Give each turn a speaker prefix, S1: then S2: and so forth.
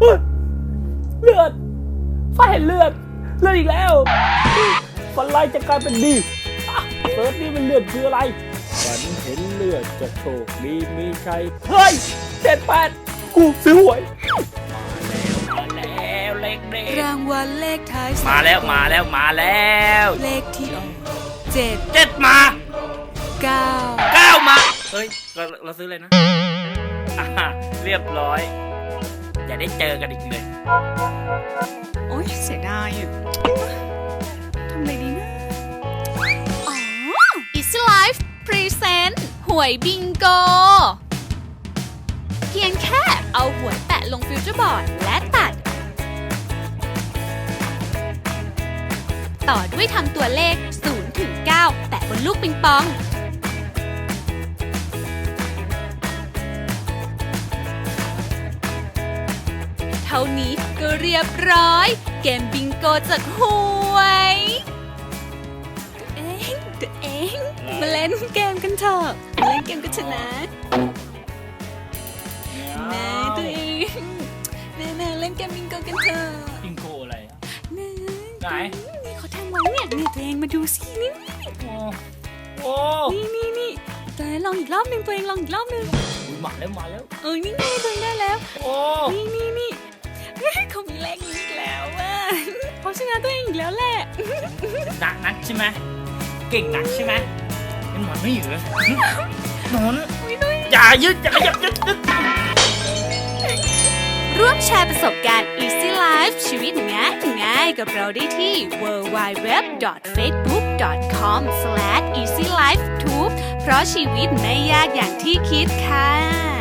S1: เลือดฟ้าเห็นเลือดอีกแล้วฝันร้ายจะกลายเป็นดีเซิร์ชนี่มันเลือดคืออะไรฝันเห็นเลือดจะโชคดีมีชัยเฮ้ย78กูซื้อหวยมาแล้วเลขเด็ด
S2: รางวัลเลขท้าย
S1: มาแล้ว
S2: เลขที่ออก
S1: 7มา 9มาเฮ้ยเราซื้อเลยนะเรียบร้อยจะได้เจอกันอีกเลย
S2: โอ๊ยเสียดายอ่ะทำไงดีนะอ๋อ Easy Life Present หวยบิงโกเพียงแค่เอาหวยแปะลงฟิวเจอร์บอร์ดและตัดต่อด้วยทำตัวเลข0 ถึง 9แปะบนลูกปิงปองเท่านี้ก็เรียบร้อยเกมบิงโกจากหวยตัวเองมาเล่นเกมกันเถอะมาเล่นเกมกันชนะนะตัวเองนะเล่นเกมบิงโกกันเถอะ
S1: บิงโกอะไรอ่ะ
S2: นะ
S1: ไหน
S2: นี่เขาทำไว้เนี่ยตัวเองมาดูสินี่
S1: โอ้
S2: นี่ตัวเองลองอีกรอบนึงตัวเองลองอีกรอบนึง
S1: มาแล้ว
S2: นี่ไงตัวเองได้แล้ว
S1: โอ้
S2: นี่เขามีเลขนี้อีกแล้วว่ะเขาชนะตัวเองอีกแล้วแหละ
S1: นักใช่ไหมเก่งนักใช่ไหมเป็นหมอนไม่อยู่เลยหมอนอย่ายึดอย่าขยับยึด
S2: ร่วมแชร์ประสบการณ์ Easy Life ชีวิตง่ายกับเราได้ที่ www.facebook.com/easylifetube เพราะชีวิตไม่ยากอย่างที่คิดค่ะ